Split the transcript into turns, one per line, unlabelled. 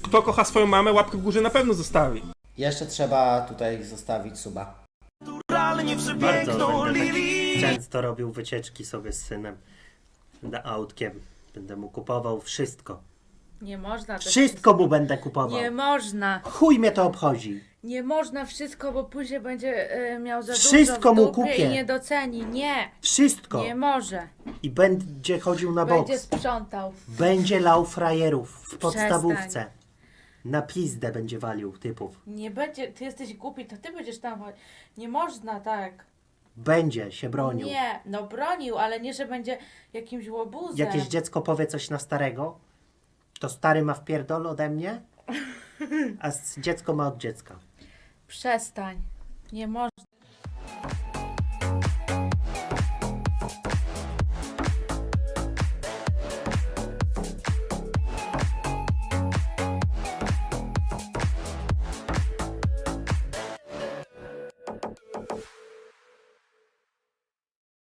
Kto kocha swoją mamę, łapkę w górze na pewno zostawi.
Jeszcze trzeba tutaj zostawić suba.
Bardzo będę tak często robił wycieczki sobie z synem. Będę autkiem. Będę mu kupował wszystko.
Nie można.
Wszystko mu będę kupował.
Nie można.
Chuj mnie to obchodzi.
Nie można wszystko, bo później będzie miał za
Wszystko
dużo
mu
w dupie
kupię.
i nie doceni. Nie.
Wszystko.
Nie może.
I będzie chodził na boks.
Będzie sprzątał.
Będzie lał frajerów w podstawówce. Na pizdę będzie walił typów.
Nie będzie. Ty jesteś głupi, to ty będziesz tam. Nie można tak.
Będzie się bronił.
Nie. No bronił, ale nie, że będzie jakimś łobuzem.
Jakieś dziecko powie coś na starego, to stary ma wpierdol ode mnie, a dziecko ma od dziecka.
Przestań. Nie można.